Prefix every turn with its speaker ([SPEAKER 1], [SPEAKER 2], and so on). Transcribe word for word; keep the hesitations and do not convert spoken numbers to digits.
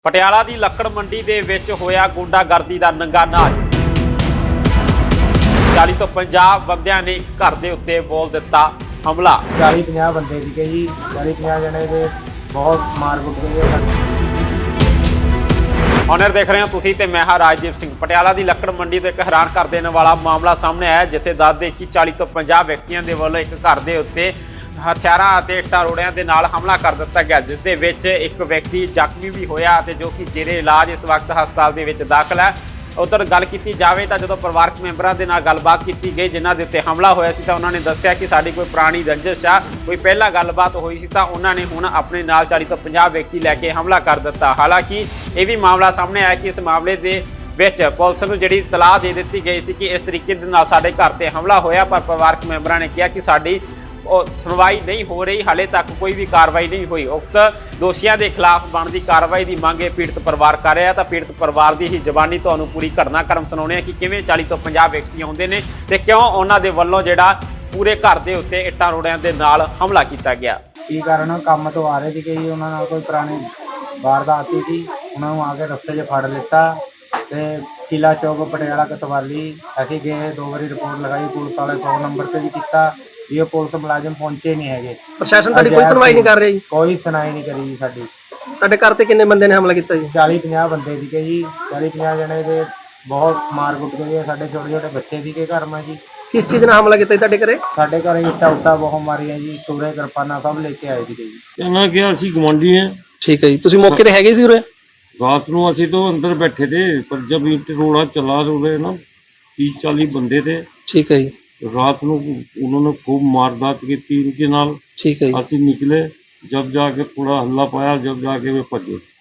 [SPEAKER 1] ਪਟਿਆਲਾ ਦੀ ਲੱਕੜ ਮੰਡੀ ਦੇ ਵਿੱਚ ਹੋਇਆ ਗੁੰਡਾਗਰਦੀ ਦਾ ਨੰਗਾ ਨਾਚ। ਚਾਲੀ ਤੋਂ ਪੰਜਾਹ ਬੰਦਿਆਂ ਨੇ ਘਰ ਦੇ ਉੱਤੇ ਬੋਲ ਦਿੱਤਾ ਹਮਲਾ।
[SPEAKER 2] ਚਾਲੀ ਪੰਜਾਹ ਬੰਦੇ ਸੀਗੇ ਜੀ, ਚਾਲੀ ਪੰਜਾਹ ਜਣੇ ਦੇ ਬਹੁਤ ਮਾਰ ਕੁੱਟ ਗਏ।
[SPEAKER 1] ਔਨਰ ਦੇਖ ਰਹੇ ਹੋ ਤੁਸੀਂ ਤੇ ਮੈਂ ਹਾਂ ਰਾਜਦੀਪ ਸਿੰਘ। ਪਟਿਆਲਾ ਦੀ ਲੱਕੜ ਮੰਡੀ ਤੋਂ ਇੱਕ ਹੈਰਾਨ ਕਰ ਦੇਣ ਵਾਲਾ ਮਾਮਲਾ ਸਾਹਮਣੇ ਆਇਆ, ਜਿੱਥੇ ਦੱਸਦੇ ਕਿ ਚਾਲੀ ਤੋਂ ਪੰਜਾਹ ਵਿਅਕਤੀਆਂ ਦੇ ਵੱਲੋਂ ਇੱਕ ਘਰ ਦੇ ਉੱਤੇ ਹਥਿਆਰਾਂ ਅਤੇ ਇੱਟਾਂ ਰੋੜਿਆਂ ਦੇ ਨਾਲ ਹਮਲਾ ਕਰ ਦਿੱਤਾ ਗਿਆ, ਜਿਸ ਦੇ ਵਿੱਚ ਇੱਕ ਵਿਅਕਤੀ ਜ਼ਖਮੀ ਵੀ ਹੋਇਆ ਅਤੇ ਜੋ ਕਿ ਜੇਰੇ ਇਲਾਜ ਇਸ ਵਕਤ ਹਸਪਤਾਲ ਦੇ ਵਿੱਚ ਦਾਖਲ ਹੈ। ਉਧਰ ਗੱਲ ਕੀਤੀ ਜਾਵੇ ਤਾਂ ਜਦੋਂ ਪਰਿਵਾਰਕ ਮੈਂਬਰਾਂ ਦੇ ਨਾਲ ਗੱਲਬਾਤ ਕੀਤੀ ਗਈ ਜਿਨ੍ਹਾਂ ਦੇ ਉੱਤੇ ਹਮਲਾ ਹੋਇਆ ਸੀ, ਤਾਂ ਉਹਨਾਂ ਨੇ ਦੱਸਿਆ ਕਿ ਸਾਡੀ ਕੋਈ ਪੁਰਾਣੀ ਰੰਜਿਸ਼ ਆ, ਕੋਈ ਪਹਿਲਾਂ ਗੱਲਬਾਤ ਹੋਈ ਸੀ, ਤਾਂ ਉਹਨਾਂ ਨੇ ਹੁਣ ਆਪਣੇ ਨਾਲ ਚਾਲੀ ਤੋਂ ਪੰਜਾਹ ਵਿਅਕਤੀ ਲੈ ਕੇ ਹਮਲਾ ਕਰ ਦਿੱਤਾ। ਹਾਲਾਂਕਿ ਇਹ ਵੀ ਮਾਮਲਾ ਸਾਹਮਣੇ ਆਇਆ ਕਿ ਇਸ ਮਾਮਲੇ ਦੇ ਵਿੱਚ ਪੁਲਿਸ ਨੂੰ ਜਿਹੜੀ ਇਤਲਾਹ ਦੇ ਦਿੱਤੀ ਗਈ ਸੀ ਕਿ ਇਸ ਤਰੀਕੇ ਦੇ ਨਾਲ ਸਾਡੇ ਘਰ ਤੇ ਹਮਲਾ ਹੋਇਆ, ਪਰ ਪਰਿਵਾਰਕ ਮੈਂਬਰਾਂ ਨੇ ਕਿਹਾ ਕਿ ਸਾਡੀ ਉਹ ਸੁਣਵਾਈ ਨਹੀਂ ਹੋ ਰਹੀ, ਹਾਲੇ ਤੱਕ ਕੋਈ ਵੀ ਕਾਰਵਾਈ ਨਹੀਂ ਹੋਈ। ਉਕਤ ਦੋਸ਼ੀਆਂ ਦੇ ਖਿਲਾਫ ਬਣਦੀ ਕਾਰਵਾਈ ਦੀ ਮੰਗ ਪੀੜਤ ਪਰਿਵਾਰ ਕਰ ਰਿਹਾ। ਤਾਂ ਪੀੜਤ ਪਰਿਵਾਰ ਦੀ ਹੀ ਜ਼ਬਾਨੀ ਤੁਹਾਨੂੰ ਪੂਰੀ ਘਟਨਾਕ੍ਰਮ ਸੁਣਾਉਣੇ ਆ ਕਿ ਕਿਵੇਂ ਚਾਲੀ ਤੋਂ ਪੰਜਾਹ ਵਿਅਕਤੀ ਆਉਂਦੇ ਨੇ ਤੇ ਕਿਉਂ ਉਹਨਾਂ ਦੇ ਵੱਲੋਂ ਜਿਹੜਾ ਪੂਰੇ ਘਰ ਦੇ ਉੱਤੇ ਇੱਟਾਂ ਰੋੜਿਆਂ ਦੇ ਨਾਲ ਹਮਲਾ ਕੀਤਾ ਗਿਆ।
[SPEAKER 2] ਕੀ ਕਾਰਨ? ਕੰਮ ਤੋਂ ਆ ਰਹੇ ਸੀਗੇ ਜੀ, ਉਹਨਾਂ ਨਾਲ ਕੋਈ ਪੁਰਾਣੀ ਵਾਰਦਾਤ ਸੀ, ਉਹਨਾਂ ਨੂੰ ਆ ਕੇ ਰਸਤੇ 'ਚ ਫੜ ਲਿੱਤਾ ਤੇ ਕਿਲਾ ਚੌਕ ਪਟਿਆਲਾ ਕਤਵਾਲੀ ਅਸੀਂ ਗਏ, ਦੋ ਵਾਰੀ ਰਿਪੋਰਟ ਲਗਾਈ ਪੁਲਿਸ ਵਾਲੇ, ਸੌ ਨੰਬਰ ਤੇ ਵੀ ਕੀਤਾ, ਇਹ ਪੁਲਿਸ ਮੁਲਾਜ਼ਮ ਪਹੁੰਚੇ ਨਹੀਂ ਹੈਗੇ।
[SPEAKER 3] ਪ੍ਰਸ਼ਾਸਨ ਤੁਹਾਡੀ ਕੋਈ ਸੁਣਵਾਈ ਨਹੀਂ ਕਰ ਰਿਹਾ ਜੀ?
[SPEAKER 2] ਕੋਈ ਸੁਣਾਈ ਨਹੀਂ ਕਰੀ ਜੀ ਸਾਡੀ।
[SPEAKER 3] ਤੁਹਾਡੇ ਘਰ ਤੇ ਕਿੰਨੇ ਬੰਦੇ ਨੇ ਹਮਲਾ ਕੀਤਾ ਜੀ?
[SPEAKER 2] ਚਾਲੀ ਪੰਜਾਹ ਬੰਦੇ ਸੀਗੇ ਜੀ, ਚਾਲੀ ਪੰਜਾਹ ਜਣੇ ਦੇ ਬਹੁਤ ਮਾਰ ਕੁੱਟ ਗਏ। ਸਾਡੇ ਛੋਟੇ ਛੋਟੇ ਬੱਚੇ ਸੀਗੇ ਘਰ ਮੈਂ ਜੀ।
[SPEAKER 3] ਕਿਸ ਚੀਜ਼ ਨਾਲ ਹਮਲਾ ਕੀਤਾ ਜੀ ਤੁਹਾਡੇ ਘਰੇ?
[SPEAKER 2] ਸਾਡੇ ਘਰੇ ਇੱਟਾਂ ਉੱਟਾਂ ਬਹੁਤ ਮਾਰੀਆਂ ਜੀ, ਸੂਰੇ ਕਿਰਪਾਨਾਂ ਸਭ ਲੈ ਕੇ ਆਏ ਸੀਗੇ ਜੀ।
[SPEAKER 4] कहना क्या ਅਸੀਂ ਗਵਾਂਢੀ हैं।
[SPEAKER 3] ਠੀਕ ਹੈ ਜੀ, ਤੁਸੀਂ ਮੌਕੇ ਤੇ ਹੈਗੇ ਸੀ ਉਰੇ?
[SPEAKER 4] रात ਨੂੰ ਅਸੀਂ तो अंदर बैठे थे, पर जब ईंट रोड़ा चला रहे ना तीस चालीस बंदे थे।
[SPEAKER 3] ठीक है जी।
[SPEAKER 4] रात ਨੂੰ उन्होंने खूब मारदात की इनके नाल।
[SPEAKER 3] ठीक है जी।
[SPEAKER 4] ਅਸੀਂ निकले, जब जाके थोड़ा हल्ला पाया, जब जाके वे भजे।